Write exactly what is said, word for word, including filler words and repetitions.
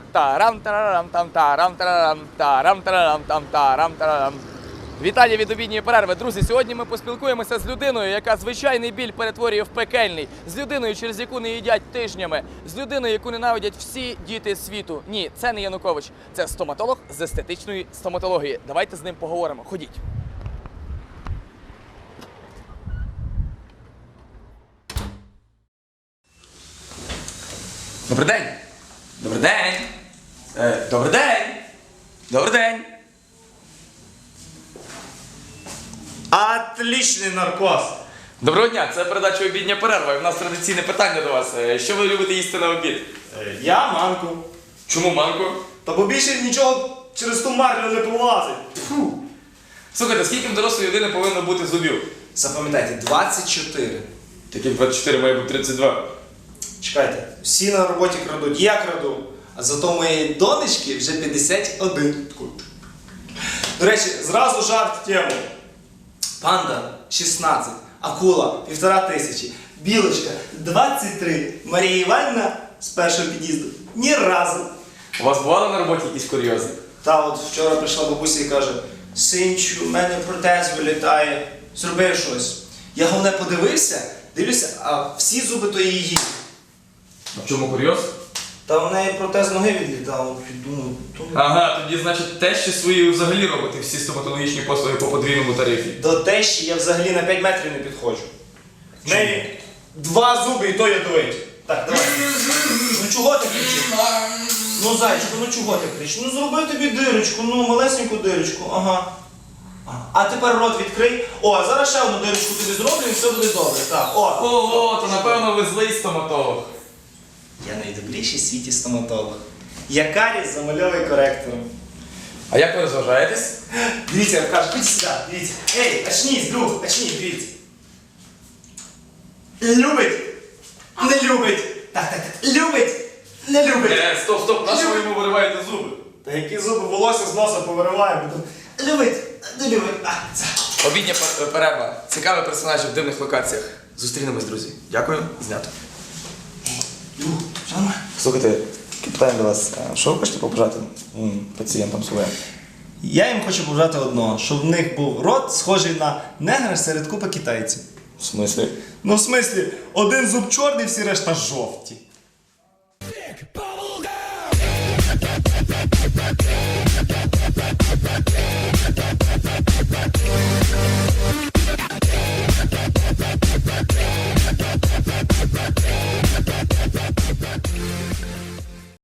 тарам тарарам там тарам тарарам тарам тарарам там тарам тарарам. Вітання від обідньої перерви. Друзі, сьогодні ми поспілкуємося з людиною, яка звичайний біль перетворює в пекельний. З людиною, через яку не їдять тижнями. З людиною, яку ненавидять всі діти світу. Ні, це не Янукович. Це стоматолог з естетичної стоматології. Давайте з ним поговоримо. Ходіть. Добрий день. Добрий день. Е, добрий день. Добрий день. Отличний наркоз! Доброго дня, це передача «Обідня перерва». І в нас традиційне питання до вас. Е, Що ви любите їсти на обід? Е, Я манку. Чому манку? Та бо більше нічого через ту марлю не пролазить. Фу. Слухайте, скільки в дорослої людини повинно бути зубів? Запам'ятайте, двадцять чотири. Таких двадцять чотири має бути тридцять два. Чекайте, всі на роботі крадуть, я краду. А зато моєї донечки вже п'ятдесят один. До речі, зразу жарт в тему. Панда шістнадцять, акула півтора тисячі, білочка двадцять три, Марія Іванівна з першого під'їзду ні разу. У вас бували на роботі якісь курйози? Та от вчора прийшла бабуся і каже: синчу, в мене протез вилітає, зроби щось. Я головне подивився, дивлюся, а всі зуби то її. А в чому курйоз? Та в неї протез ноги відлітав, думаю, то... Ага, тоді, значить, тещі свої взагалі робите всі стоматологічні послуги по подвійному тарифі. До тещі я взагалі на п'ять метрів не підходжу. В неї два зуби і то ядовиті. Так, давай. Ну чого ти кричиш? Ну, зайчику, ну чого ти кричиш? Ну зроби тобі дирочку, ну малесеньку дирочку, ага. А тепер рот відкрий. О, а зараз ще одну дирочку тобі зроблю і все буде добре. Так, о. Ого, то напевно ви злий стоматолог. Я найдобріший в світі стоматолог. Я каріс замальовий коректором. А як ви розважаєтесь? Дивіться, Аркаш, будь сюди, дивіться. Ей, очнись, друг, очнись, дивіться. Любить, не любить. Так, так, так, любить, не любить. Е, стоп, стоп, на що ви йому вириваєте зуби? Та які зуби, волосся з носа повириваємо. Любить, не любить. А, це. Обідня пер- перерва. Цікаві персонажі в дивних локаціях. Зустрінемось, друзі. Дякую, знято. Друг, що нормально? Слухайте, таке питання до вас. А що ви хочете побажати м, пацієнтам своїм? Я їм хочу побажати одного, щоб в них був рот схожий на негра серед купи китайців. В смислі? Ну, в смислі, один зуб чорний, всі решта жовті.